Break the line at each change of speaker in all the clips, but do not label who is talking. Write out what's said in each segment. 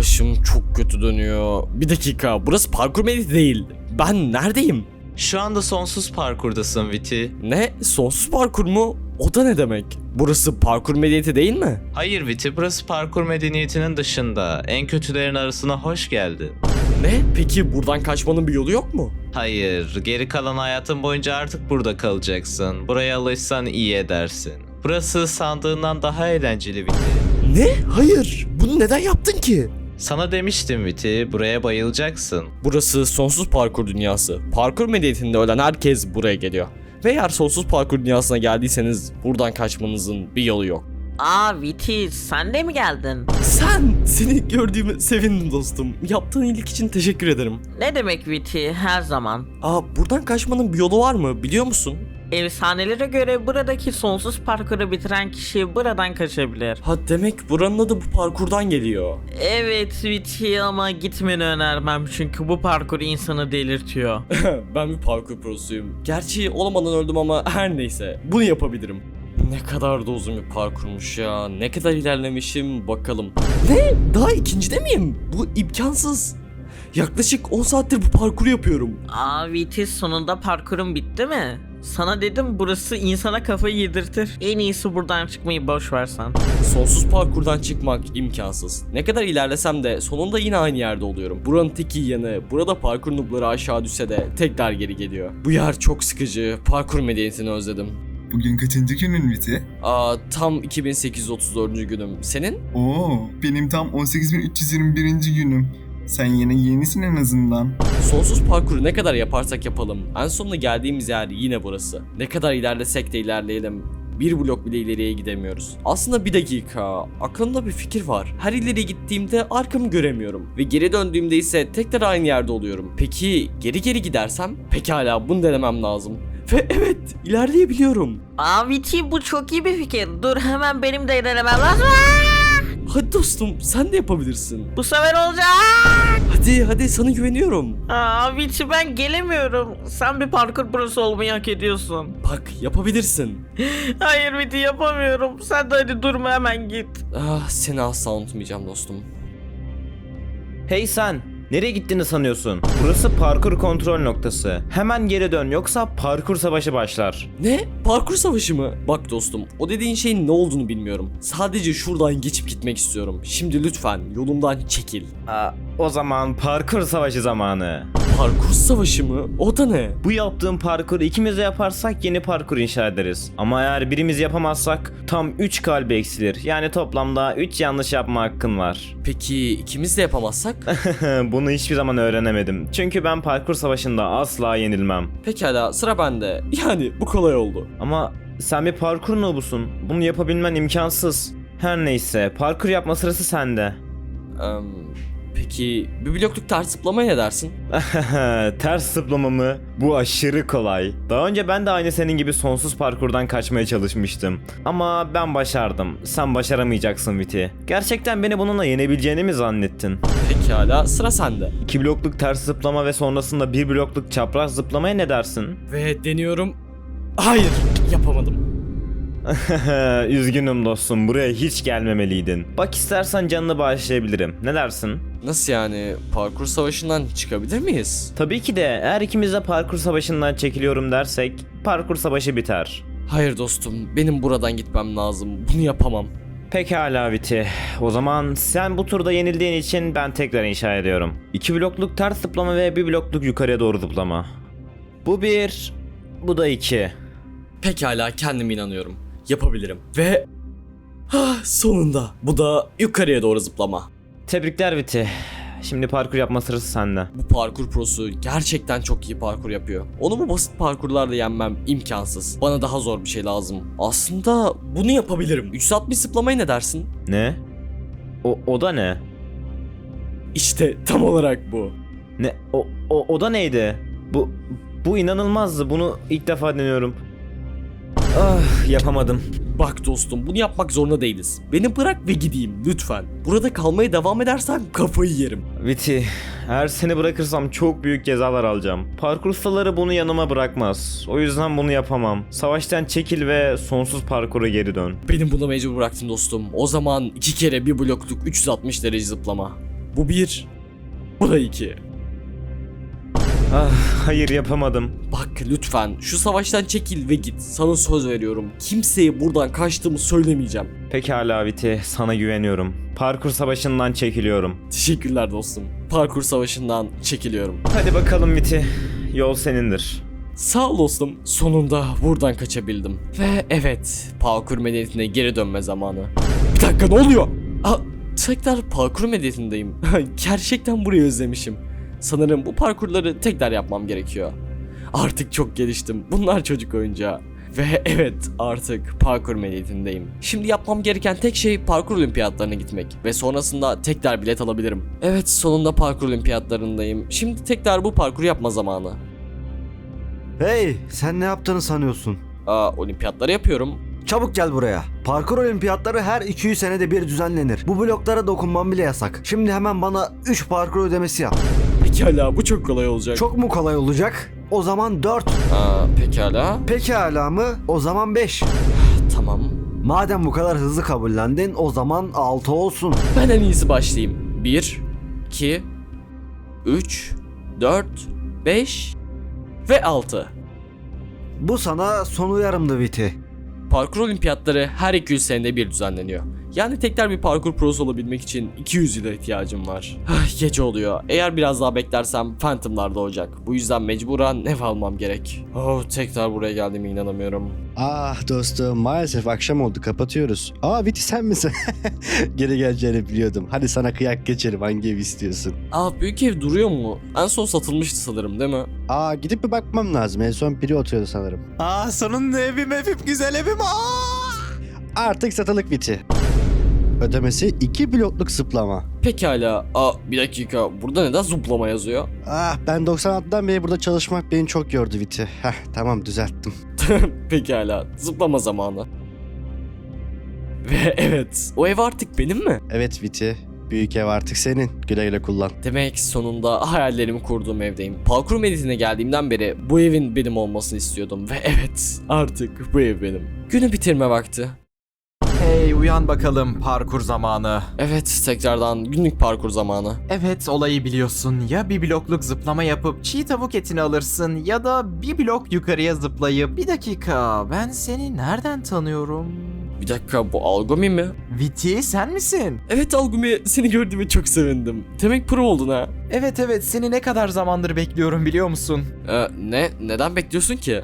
Başım çok kötü dönüyor. Bir dakika, burası parkur mediti değil. Ben neredeyim?
Şu anda sonsuz parkurdasın Viti.
Ne? Sonsuz parkur mu? O da ne demek? Burası parkur medeniyeti değil mi?
Hayır Viti, burası parkur medeniyetinin dışında. En kötülerin arasına hoş geldin.
Ne? Peki buradan kaçmanın bir yolu yok mu?
Hayır, geri kalan hayatın boyunca artık burada kalacaksın. Buraya alışsan iyi edersin. Burası sandığından daha eğlenceli Viti.
Ne? Hayır. Bunu neden yaptın ki?
Sana demiştim Viti, buraya bayılacaksın.
Burası sonsuz parkur dünyası. Parkur medeniyetinde ölen herkes buraya geliyor. Ve eğer sonsuz parkur dünyasına geldiyseniz buradan kaçmanızın bir yolu yok.
Aa Viti, sen de mi geldin?
Seni gördüğüme sevindim dostum. Yaptığın iyilik için teşekkür ederim.
Ne demek Viti, her zaman.
Buradan kaçmanın bir yolu var mı biliyor musun?
Efsanelere göre buradaki sonsuz parkuru bitiren kişi buradan kaçabilir.
Ha, demek buranın adı bu parkurdan geliyor.
Evet Viti, ama gitmeni önermem çünkü bu parkur insanı delirtiyor.
Ben bir parkur prosuyum. Gerçi olamadan öldüm ama her neyse. Bunu yapabilirim. Ne kadar da uzun bir parkurmuş ya. Ne kadar ilerlemişim bakalım. Ne? Daha ikincide miyim? Bu imkansız. Yaklaşık 10 saattir bu parkuru yapıyorum.
Aa Viti, sonunda parkurun bitti mi? Sana dedim, burası insana kafayı yedirtir. En iyisi buradan çıkmayı boş versen.
Sonsuz parkurdan çıkmak imkansız. Ne kadar ilerlesem de sonunda yine aynı yerde oluyorum. Buranın tek iyi yanı, burada parkur noobları aşağı düşse de tekrar geri geliyor. Bu yer çok sıkıcı. Parkur medeniyetini özledim.
Bugün kaçıncı günün Viti?
Tam 2834. günüm. Senin?
Oo, benim tam 18.321. günüm. Sen yine yenisin en azından.
Sonsuz parkuru ne kadar yaparsak yapalım, en sonunda geldiğimiz yer yine burası. Ne kadar ilerlesek de ilerleyelim, bir blok bile ileriye gidemiyoruz. Aslında bir dakika, aklımda bir fikir var. Her ileri gittiğimde arkamı göremiyorum ve geri döndüğümde ise tekrar aynı yerde oluyorum. Peki geri gidersem? Pekala, bunu denemem lazım. Ve evet, ilerleyebiliyorum.
Aa Viti, bu çok iyi bir fikir. Dur, hemen benim de denemem lazım.
Hadi dostum, sen de yapabilirsin.
Bu sefer olacak.
Hadi sana güveniyorum.
Aa Viti, ben gelemiyorum. Sen bir parkur prosu olmayı hak ediyorsun.
Bak, yapabilirsin.
Hayır Viti, yapamıyorum. Sen de hadi durma, hemen git.
Seni asla unutmayacağım dostum.
Hey sen! Nereye gittiğini sanıyorsun? Burası parkur kontrol noktası. Hemen geri dön yoksa parkur savaşı başlar.
Ne? Parkur savaşı mı? Bak dostum, o dediğin şeyin ne olduğunu bilmiyorum. Sadece şuradan geçip gitmek istiyorum. Şimdi lütfen yolumdan çekil.
O zaman parkur savaşı zamanı.
Parkur savaşı mı? O da ne?
Bu yaptığım parkuru ikimiz de yaparsak yeni parkur inşa ederiz. Ama eğer birimiz yapamazsak tam 3 kalbi eksilir. Yani toplamda 3 yanlış yapma hakkın var.
Peki ikimiz de yapamazsak?
Bunu hiçbir zaman öğrenemedim. Çünkü ben parkur savaşında asla yenilmem.
Pekala, sıra bende. Yani bu kolay oldu.
Ama sen bir parkur noobusun. Bunu yapabilmen imkansız. Her neyse, parkur yapma sırası sende.
Peki bir blokluk ters zıplamaya ne dersin?
Ters zıplama mı? Bu aşırı kolay. Daha önce ben de aynı senin gibi sonsuz parkurdan kaçmaya çalışmıştım. Ama ben başardım. Sen başaramayacaksın Viti. Gerçekten beni bununla yenebileceğini mi zannettin?
Pekala, sıra sende.
2 blokluk ters zıplama ve sonrasında 1 blokluk çapraz zıplamaya ne dersin?
Ve deniyorum. Hayır, yapamadım.
Üzgünüm dostum, buraya hiç gelmemeliydin. Bak, istersen canını bağışlayabilirim. Ne dersin?
Nasıl yani? Parkur savaşından çıkabilir miyiz?
Tabii ki de, eğer ikimiz de parkur savaşından çekiliyorum dersek parkur savaşı biter.
Hayır dostum, benim buradan gitmem lazım. Bunu yapamam.
Pekala Viti. O zaman sen bu turda yenildiğin için ben tekrar inşa ediyorum. 2 blokluk ters zıplama ve 1 blokluk yukarıya doğru zıplama. Bu 1, bu da 2.
Pekala, kendime inanıyorum. Yapabilirim. Ve sonunda bu da yukarıya doğru zıplama.
Tebrikler Viti. Şimdi parkur yapma sırası sende.
Bu parkur prosu gerçekten çok iyi parkur yapıyor. Onu bu basit parkurlarla yenmem imkansız. Bana daha zor bir şey lazım. Aslında bunu yapabilirim. 360 zıplamaya ne dersin?
Ne? O da ne?
İşte tam olarak bu.
Ne? O da neydi? Bu inanılmazdı. Bunu ilk defa deniyorum. Yapamadım.
Bak dostum, bunu yapmak zorunda değiliz. Beni bırak ve gideyim lütfen. Burada kalmaya devam edersen kafayı yerim.
Viti, eğer seni bırakırsam çok büyük cezalar alacağım. Parkur ustaları bunu yanıma bırakmaz. O yüzden bunu yapamam. Savaştan çekil ve sonsuz parkura geri dön.
Benim buna mecbur bıraktın dostum. O zaman 2 kere 1 blokluk 360 derece zıplama. Bu 1. Bu da 2.
Ah, hayır yapamadım.
Bak lütfen şu savaştan çekil ve git. Sana söz veriyorum. Kimseye buradan kaçtığımı söylemeyeceğim.
Pekala Viti, sana güveniyorum. Parkur savaşından çekiliyorum.
Teşekkürler dostum. Parkur savaşından çekiliyorum.
Hadi bakalım Viti, yol senindir.
Sağ ol dostum. Sonunda buradan kaçabildim. Ve evet, parkur medeniyetine geri dönme zamanı. Bir dakika, ne oluyor? Aa, tekrar parkur medeniyetindeyim. Gerçekten burayı özlemişim. Sanırım bu parkurları tekrar yapmam gerekiyor. Artık çok geliştim. Bunlar çocuk oyuncağı. Ve evet, artık parkur medeniyetindeyim. Şimdi yapmam gereken tek şey parkur olimpiyatlarına gitmek. Ve sonrasında tekrar bilet alabilirim. Evet, sonunda parkur olimpiyatlarındayım. Şimdi tekrar bu parkuru yapma zamanı.
Hey, sen ne yaptığını sanıyorsun?
Olimpiyatları yapıyorum.
Çabuk gel buraya. Parkur olimpiyatları her 200 senede bir düzenlenir. Bu bloklara dokunmam bile yasak. Şimdi hemen bana 3 parkur ödemesi yap.
Pekala, bu çok kolay olacak.
Çok mu kolay olacak? O zaman 4.
Pekala.
Pekala mı? O zaman 5.
Tamam.
Madem bu kadar hızlı kabullendin, o zaman 6 olsun.
Ben en iyisi başlayayım. 1, 2, 3, 4, 5 ve 6.
Bu sana son uyarımdı Viti.
Parkur olimpiyatları her 200 senede bir düzenleniyor. Yani tekrar bir parkur prosu olabilmek için 200 yıla ihtiyacım var. Gece oluyor. Eğer biraz daha beklersem Phantom'lar doğacak. Bu yüzden mecburen ev almam gerek. Tekrar buraya geldiğime inanamıyorum.
Ah dostum, maalesef akşam oldu, kapatıyoruz. Viti sen misin? Geri geleceğini biliyordum. Hadi sana kıyak geçelim, hangi ev istiyorsun?
Büyük ev duruyor mu? En son satılmıştı sanırım, değil mi?
Gidip bir bakmam lazım. En son biri oturuyordu sanırım. Sonunda evim güzel evim. Artık satılık Viti. Ödemesi 2 blokluk zıplama.
Pekala. Bir dakika. Burada neden zıplama yazıyor?
Ben 96'dan beri burada çalışmak beni çok yordu Viti. Tamam, düzelttim.
Pekala. Zıplama zamanı. Ve evet. O ev artık benim mi?
Evet Viti. Büyük ev artık senin. Güle güle kullan.
Demek sonunda hayallerimi kurduğum evdeyim. Parkur medeniyetine geldiğimden beri bu evin benim olmasını istiyordum. Ve evet, artık bu ev benim. Günü bitirme vakti.
Hey uyan bakalım, parkur zamanı.
Evet, tekrardan günlük parkur zamanı.
Evet, olayı biliyorsun. Ya bir blokluk zıplama yapıp çiğ tavuk etini alırsın ya da bir blok yukarıya zıplayıp... Bir dakika, ben seni nereden tanıyorum?
Bir dakika, bu Algumi mi?
Viti, sen misin?
Evet Algumi, seni gördüğüme çok sevindim. Demek pro oldun ha.
Evet, seni ne kadar zamandır bekliyorum biliyor musun?
Neden bekliyorsun ki?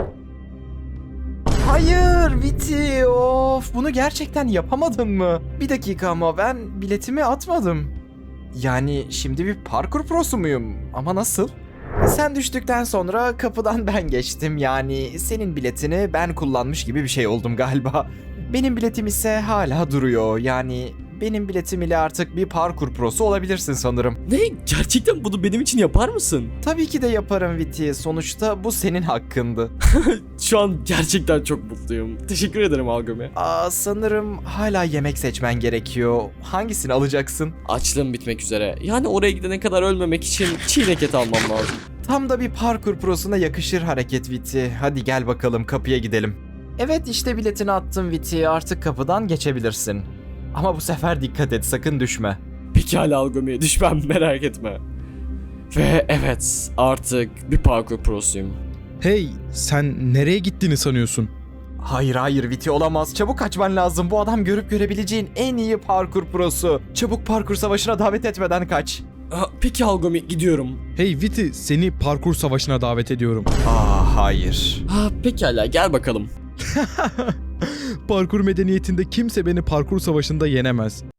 Hayır Viti, of, bunu gerçekten yapamadın mı? Bir dakika, ama ben biletimi atmadım. Yani şimdi bir parkur prosu muyum? Ama nasıl? Sen düştükten sonra kapıdan ben geçtim, yani senin biletini ben kullanmış gibi bir şey oldum galiba. Benim biletim ise hala duruyor, yani benim biletim ile artık bir parkur prosu olabilirsin sanırım.
Ne? Gerçekten bunu benim için yapar mısın?
Tabii ki de yaparım Viti, sonuçta bu senin hakkındı.
Şu an gerçekten çok mutluyum. Teşekkür ederim Algumi.
Sanırım hala yemek seçmen gerekiyor. Hangisini alacaksın?
Açlığım bitmek üzere. Yani oraya gidene kadar ölmemek için çiğnek et almam lazım.
Tam da bir parkur prosuna yakışır hareket Viti. Hadi gel bakalım, kapıya gidelim. Evet, işte biletini attım Viti, artık kapıdan geçebilirsin. Ama bu sefer dikkat et, sakın düşme.
Pekala Algumi, düşmem, merak etme. Ve evet, artık bir parkur prosuyum.
Hey, sen nereye gittiğini sanıyorsun?
Hayır Viti, olamaz. Çabuk kaçman lazım. Bu adam görüp görebileceğin en iyi parkur prosu. Çabuk parkur savaşına davet etmeden kaç.
Peki Algumi, gidiyorum.
Hey Viti, seni parkur savaşına davet ediyorum.
Hayır.
Pekala, gel bakalım.
Parkur medeniyetinde kimse beni parkur savaşında yenemez.